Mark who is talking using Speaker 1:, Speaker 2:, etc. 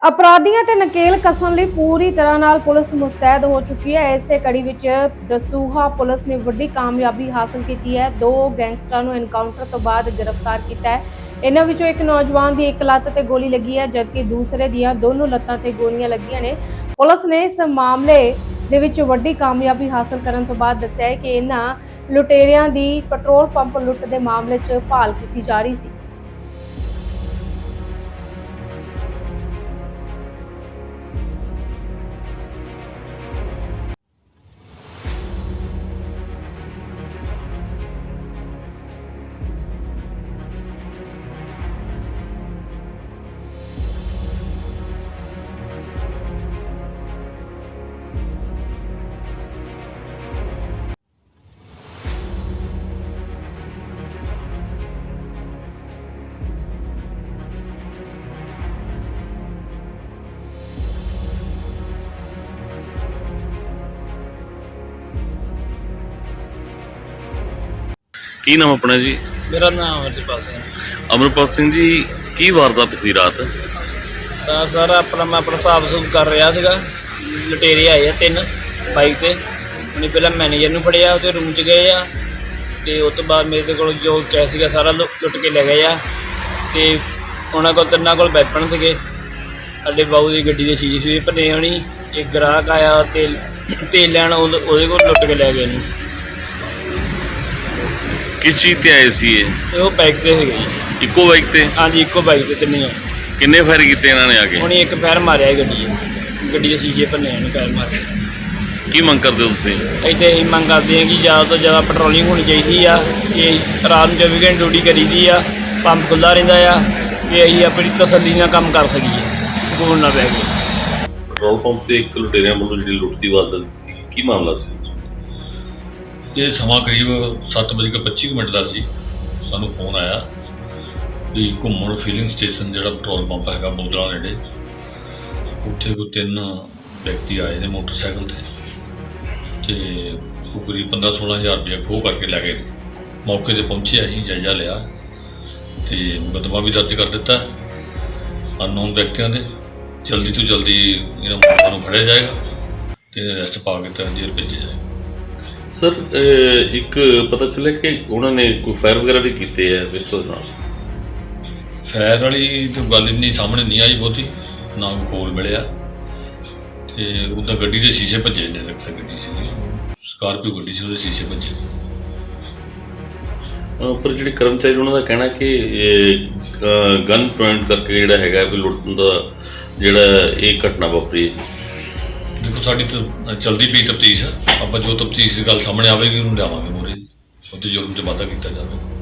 Speaker 1: अपराधियों ते नकेल कसन लई पूरी तरह नाल पुलिस मुस्तैद हो चुकी है। इसे कड़ी विच दसूहा पुलिस ने वड्डी कामयाबी हासिल की है। दो गैंगस्टरां नूं एनकाउंटर तो बाद गिरफ्तार किया है। इन्हां विचों एक नौजवान दी एक लत्त ते गोली लगी है, जबकि दूसरे दियां दोनों लत्तां ते गोलियां लगियां ने। पुलिस ने इस मामले दे विच वड्डी कामयाबी हासिल करन तो बाद दस्सिया है कि इन्हां लुटेरियां दी पेट्रोल पंप लुੱਟ दे मामले च भाल की जा रही सी।
Speaker 2: ਕੀ ਨਾਮ ਆਪਣਾ ਜੀ?
Speaker 3: मेरा नाम अमरपाल सिंह।
Speaker 2: ਅਮਰਪਾਲ ਸਿੰਘ ਜੀ, ਕੀ ਵਾਰਦਾਤ ਹੋਈ ਰਾਤ?
Speaker 3: ਤਾਂ ਸਰ ਮੈਂ ਆਪਣਾ ਹਿਸਾਬ ਸੂਬ ਕਰ ਰਿਹਾ ਸੀਗਾ। ਲੁਟੇਰੇ ਆਏ ਆ 3 ਬਾਈਕ ਤੇ। ਉਹਨੇ ਪਹਿਲਾਂ ਮੈਨੇਜਰ ਨੂੰ ਫੜਿਆ, ਉਹਦੇ ਰੂਮ 'ਚ ਗਏ ਆ ਤੇ ਉਸ ਤੋਂ ਬਾਅਦ ਮੇਰੇ ਕੋਲ ਜੋ ਕੈਸ਼ ਸੀਗਾ ਸਾਰਾ ਲੁੱਟ ਕੇ ਲੈ ਗਏ ਆ। ਤੇ ਉਹਨਾਂ ਕੋਲ 3 ਕੋਲ ਵੈਪਨ ਸੀਗੇ। ਸਾਡੇ ਬਾਊ ਦੀ ਗੱਡੀ ਦੇ ਸ਼ੀਸ਼ੇ ਭੰਨੇ ਹੋਣੀ। ਇੱਕ ਗ੍ਰਾਹਕ ਆਇਆ ਤੇਲ ਲੈਣ, ਉਹਦੇ ਕੋਲ ਲੁੱਟ ਕੇ ਲੈ ਗਏ ਇਹਨੂੰ।
Speaker 2: ਕਿਸ ਚੀਜ਼ ਤੇ ਆਏ ਸੀ ਇਹ?
Speaker 3: ਤੇ ਉਹ ਬਾਈਕ ਤੇ ਸੀਗੇ ਜੀ।
Speaker 2: ਇੱਕੋ ਬਾਈਕ ਤੇ?
Speaker 3: ਹਾਂਜੀ, ਇੱਕੋ ਬਾਈਕ ਤੇ ਤਿੰਨੇ ਆ।
Speaker 2: ਕਿੰਨੇ ਫਾਇਰ ਕੀਤੇ ਇਹਨਾਂ ਨੇ ਆ ਕੇ?
Speaker 3: ਉਹਨੇ ਇੱਕ ਫਾਇਰ ਮਾਰਿਆ ਗੱਡੀ ਦੇ ਸ਼ੀਸ਼ੇ ਭੰਨੇ ਉਹਨੇ ਫਾਇਰ ਮਾਰਿਆ।
Speaker 2: ਕੀ ਮੰਗ ਕਰਦੇ ਹੋ ਤੁਸੀਂ?
Speaker 3: ਇੱਥੇ ਅਸੀਂ ਮੰਗ ਕਰਦੇ ਹਾਂ ਕਿ ਜ਼ਿਆਦਾ ਤੋਂ ਜ਼ਿਆਦਾ ਪੈਟਰੋਲਿੰਗ ਹੋਣੀ ਚਾਹੀਦੀ ਆ। ਇਹ ਰਾਤ ਨੂੰ 24 ਘੰਟੇ ਡਿਊਟੀ ਕਰੀਦੀ ਆ, ਪੰਪ ਖੁੱਲ੍ਹਾ ਰਹਿੰਦਾ ਆ ਕਿ ਅਸੀਂ ਆਪਣੀ ਤਸੱਲੀ ਨਾਲ ਕੰਮ ਕਰ ਸਕੀਏ, ਸਕੂਨ ਨਾ ਬਹਿ ਕੇ।
Speaker 2: ਪੈਟਰੋਲ ਪੰਪ ਤੇ ਇੱਕ ਲੁਟੇਰਿਆਂ ਵੱਲੋਂ ਜਿਹੜੀ ਲੁੱਟ ਦੀ ਵਾਰਦਾਤ ਕੀਤੀ, ਕੀ ਮਾਮਲਾ ਸੀ?
Speaker 4: ਇਹ ਸਮਾਂ ਕਰੀਬ 7:25 ਦਾ ਸੀ। ਸਾਨੂੰ ਫੋਨ ਆਇਆ ਵੀ ਘੁੰਮਣ ਫਿਲਿੰਗ ਸਟੇਸ਼ਨ ਜਿਹੜਾ ਪੈਟਰੋਲ ਪੰਪ ਹੈਗਾ ਬੋਦਲਾ ਨੇੜੇ, ਉੱਥੇ ਕੋਈ 3 ਵਿਅਕਤੀ ਆਏ ਨੇ ਮੋਟਰਸਾਈਕਲ ਤੇ ਉਹ ਕਰੀਬ 15-16 ਹਜ਼ਾਰ ਰੁਪਇਆ ਖੋਹ ਕਰਕੇ ਲੈ ਗਏ। ਮੌਕੇ 'ਤੇ ਪਹੁੰਚੇ, ਅਸੀਂ ਜਾਇਜ਼ਾ ਲਿਆ ਤੇ ਮੁਕੱਦਮਾ ਵੀ ਦਰਜ ਕਰ ਦਿੱਤਾ ਅਨਨੋਨ ਵਿਅਕਤੀਆਂ ਦੇ। ਜਲਦੀ ਤੋਂ ਜਲਦੀ ਇਹਨਾਂ ਮੁਲਜ਼ਮਾਂ ਨੂੰ ਫੜਿਆ ਜਾਏਗਾ ਤੇ ਅਰੈਸਟ ਪਾ ਕੇ ਤਾਂ ਜੇਲ੍ਹ ਭੇਜਿਆ ਜਾਏਗਾ।
Speaker 2: ਸਰ, ਇੱਕ ਪਤਾ ਚੱਲਿਆ ਕਿ ਉਹਨਾਂ ਨੇ ਕੋਈ ਫਾਇਰ ਵਗੈਰਾ ਵੀ ਕੀਤੇ ਆ ਪਿਸਟਲ ਨਾਲ?
Speaker 4: ਫਾਇਰ ਵਾਲੀ ਤਾਂ ਗੱਲ ਇੰਨੀ ਸਾਹਮਣੇ ਨਹੀਂ ਆਈ ਬਹੁਤੀ, ਨਾ ਕੋਈ ਕੋਲ ਮਿਲਿਆ। ਤੇ ਉਹਦਾ ਗੱਡੀ ਦੇ ਸ਼ੀਸ਼ੇ ਭੱਜੇ ਨੇ। ਗੱਡੀ ਸੀ ਸਕਾਰਪੀਓ ਗੱਡੀ ਸੀ, ਉਹਦੇ ਸ਼ੀਸ਼ੇ ਭੱਜੇ।
Speaker 2: ਪਰ ਜਿਹੜੇ ਕਰਮਚਾਰੀ ਉਹਨਾਂ ਦਾ ਕਹਿਣਾ ਕਿ ਗਨ ਪੁਆਇੰਟ ਕਰਕੇ ਜਿਹੜਾ ਹੈਗਾ ਵੀ ਲੁੱਟਣ ਦਾ ਜਿਹੜਾ ਇਹ ਘਟਨਾ ਵਾਪਰੀ।
Speaker 4: ਦੇਖੋ, ਸਾਡੀ ਤਾਂ ਚਲਦੀ ਪਈ ਤਫਤੀਸ਼। ਆਪਾਂ ਜੋ ਤਫਤੀਸ਼ ਦੀ ਗੱਲ ਸਾਹਮਣੇ ਆਵੇਗੀ ਉਹਨੂੰ ਲਿਆਵਾਂਗੇ ਮੂਹਰੇ, ਉੱਥੇ ਜੁਰਮ 'ਚ ਵਾਧਾ ਕੀਤਾ ਜਾਵੇਗਾ।